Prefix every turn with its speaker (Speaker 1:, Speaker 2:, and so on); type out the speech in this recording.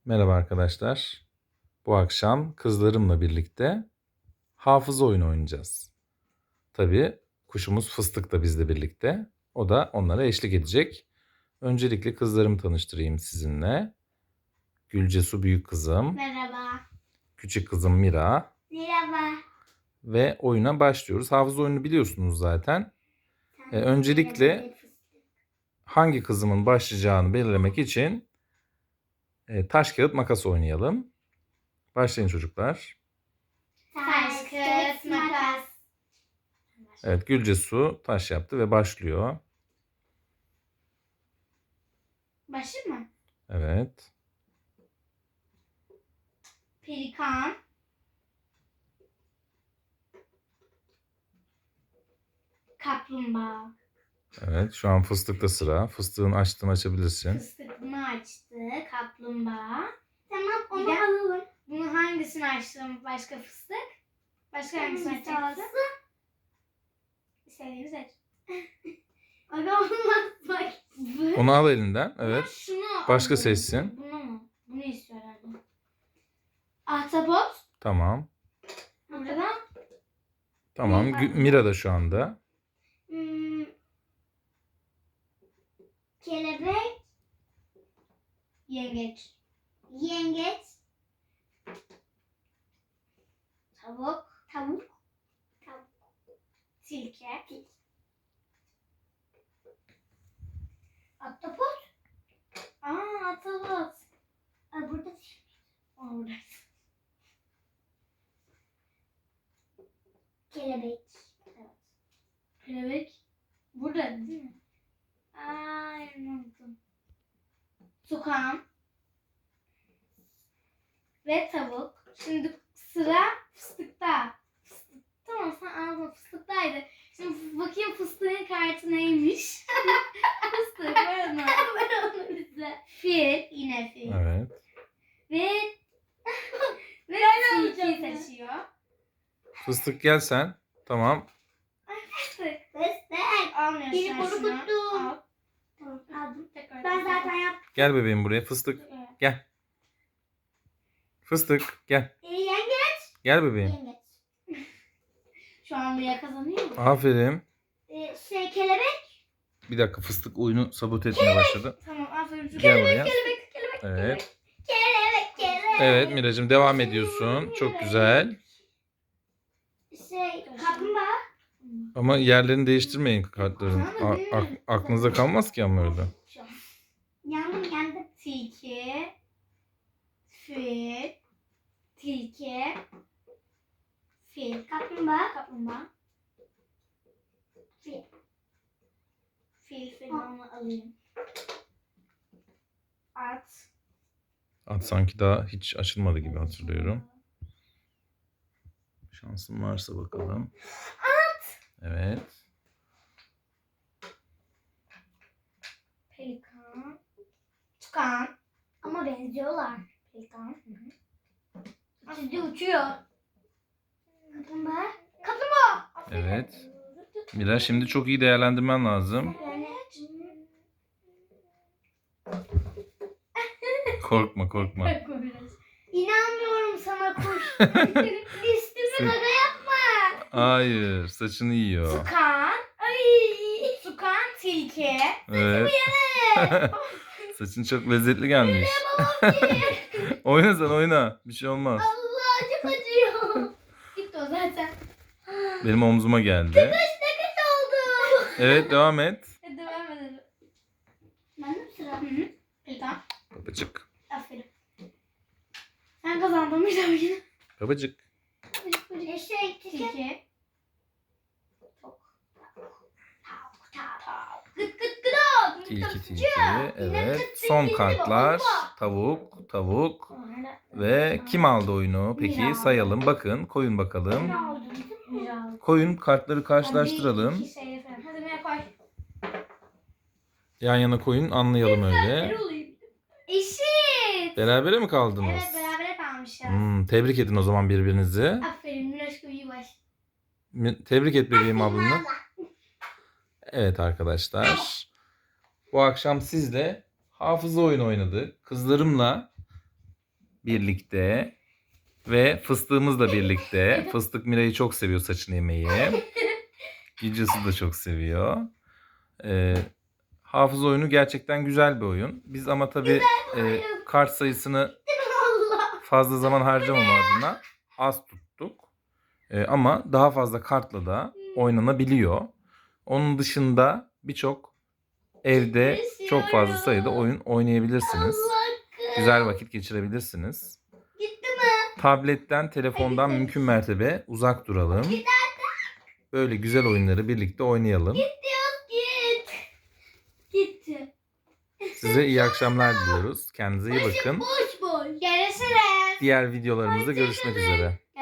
Speaker 1: Merhaba arkadaşlar. Bu akşam kızlarımla birlikte hafıza oyunu oynayacağız. Tabii kuşumuz Fıstık da bizle birlikte. O da onlara eşlik edecek. Öncelikle kızlarımı tanıştırayım sizinle. Gülcesu büyük kızım,
Speaker 2: Merhaba.
Speaker 1: küçük kızım Mira
Speaker 2: Merhaba.
Speaker 1: ve oyuna başlıyoruz. Hafıza oyunu biliyorsunuz zaten. Öncelikle hangi kızımın başlayacağını belirlemek için taş kağıt makas oynayalım. Başlayın çocuklar.
Speaker 2: Taş, kağıt, makas.
Speaker 1: Evet, Gülcesu taş yaptı ve başlıyor.
Speaker 2: Başı mı?
Speaker 1: Evet.
Speaker 2: Pelikan. Kaplumbağa.
Speaker 1: Evet, şu an fıstıkta sıra. Fıstığın açtığını açabilirsin.
Speaker 2: Fıstık bunu açtı. Kaplumbağa. Tamam onu alalım. Bunu hangisini açtım? Başka fıstık? Başka hangisini açacaksın? İstediğini seç. Aga olmaz bak.
Speaker 1: Onu al elinden. Evet.
Speaker 2: Şunu
Speaker 1: Başka
Speaker 2: alalım.
Speaker 1: seçsin.
Speaker 2: Bunu mu? Bunu istiyor herhalde. Ahtapot.
Speaker 1: Tamam.
Speaker 2: Buradan.
Speaker 1: Tamam. Mira da şu anda.
Speaker 2: Kelebek. Yengeç. Yengeç. Tavuk. Tavuk. Tavuk. Tilki. Ahtapot. Ahtapot. Burada değil. Orada. Kelebek. Evet. Kelebek. Burada değil mi? Unuttum. Tukan. Ve tavuk. Şimdi sıra fıstıkta. Tamam sen anladın, fıstıktaydı. Şimdi bakayım fıstığın kartı neymiş. Fıstık ver onu. Ver onu bize. Fil. Yine fil.
Speaker 1: Evet.
Speaker 2: Ve tilki seçiyor.
Speaker 1: Fıstık gel sen. Tamam.
Speaker 2: Fıstık. Almıyorsun
Speaker 3: Beni
Speaker 2: sen şunu.
Speaker 3: korkuttum.
Speaker 2: Al. Tamam aldım. Tekrar.
Speaker 3: Ben zaten yaptım.
Speaker 1: Gel bebeğim buraya. Fıstık gel. Fıstık gel.
Speaker 3: Yengeç.
Speaker 1: Gel bebeğim.
Speaker 3: Yengeç.
Speaker 2: Şu an Mia kazanıyor mu?
Speaker 1: Aferin.
Speaker 3: Kelebek.
Speaker 1: Bir dakika, fıstık oyunu sabote etmeye başladı.
Speaker 2: Tamam aferin.
Speaker 1: Gel buraya.
Speaker 3: Kelebek.
Speaker 1: Evet.
Speaker 3: Kelebek.
Speaker 1: Evet Miracığım, devam ediyorsun. Çok güzel.
Speaker 3: Kaplumbağa.
Speaker 1: Ama yerlerini değiştirmeyin kartların. Aklınızda kalmaz ki ama öyle.
Speaker 3: Yandım.
Speaker 2: Tilki. Fil. Tilki. Fil.
Speaker 3: Kaplumbağa.
Speaker 2: Kaplumbağa.
Speaker 3: Fil.
Speaker 2: Fil onu alayım. At.
Speaker 1: At sanki daha hiç açılmadı gibi hatırlıyorum. Şansın varsa bakalım. Evet.
Speaker 2: Pelikan. Tukan.
Speaker 3: Ama benziyorlar.
Speaker 2: Pelikan.
Speaker 3: Şimdi uçuyor. Kaplumbağa.
Speaker 1: Evet. Mira, şimdi çok iyi değerlendirmen lazım.
Speaker 3: Yani
Speaker 1: Korkma.
Speaker 3: inanmıyorum sana kuş. Üstüme
Speaker 1: Sen-
Speaker 3: gaga yapma.
Speaker 1: Hayır, saçını yiyor.
Speaker 2: Tukan.
Speaker 3: Ay.
Speaker 2: Tukan. Tilki.
Speaker 1: Evet. Saçın çok lezzetli gelmiş. Oyna sen, oyna. Bir şey olmaz.
Speaker 3: Allah çok acıyor.
Speaker 2: Gitti o zaten.
Speaker 1: Benim omzuma geldi.
Speaker 3: Ne kötü oldu.
Speaker 1: Evet, devam et.
Speaker 2: Hadi devam edelim.
Speaker 3: Ben de sıra.
Speaker 2: Pelikan.
Speaker 1: Babacık.
Speaker 2: Aferin. Sen kazandın bir oyunu.
Speaker 1: Babacık.
Speaker 2: Tilki.
Speaker 3: Gıt gıt gıt.
Speaker 1: Tilki. Evet. Son kartlar. Tavuk. Ve kim aldı oyunu? Peki
Speaker 2: Mira.
Speaker 1: sayalım. Bakın. Koyun bakalım.
Speaker 3: Ne oldu?
Speaker 2: Mira.
Speaker 1: Koyun, kartları karşılaştıralım.
Speaker 2: İki şey falan. Hadi Mira koy.
Speaker 1: Yan yana koyun, anlayalım öyle.
Speaker 2: Eşit.
Speaker 1: Berabere mi kaldınız?
Speaker 2: Evet berabere kalmışız.
Speaker 1: Tebrik edin o zaman birbirinizi.
Speaker 2: Aferin Miraşko iyi baş.
Speaker 1: Tebrik et bebeğim ablanı. Evet arkadaşlar. Bu akşam sizle hafıza oyunu oynadık. Kızlarımla birlikte ve fıstığımızla birlikte. Fıstık Mira'yı çok seviyor, saçını yemeyi. Gülcesi de çok seviyor. Hafıza oyunu gerçekten güzel bir oyun. Biz ama tabii kart sayısını
Speaker 3: Allah.
Speaker 1: fazla zaman harcamama adına az tuttuk. Ama daha fazla kartla da oynanabiliyor. Onun dışında birçok evde çok fazla sayıda oyun oynayabilirsiniz. Güzel vakit geçirebilirsiniz.
Speaker 3: Gitti mi?
Speaker 1: Tabletten, telefondan mümkün mertebe uzak duralım. Böyle güzel oyunları birlikte oynayalım.
Speaker 3: Git. Gitti.
Speaker 1: Size iyi akşamlar diliyoruz. Kendinize iyi bakın.
Speaker 3: Boş boş.
Speaker 2: Görüşürüz.
Speaker 1: Diğer videolarımızda görüşmek üzere.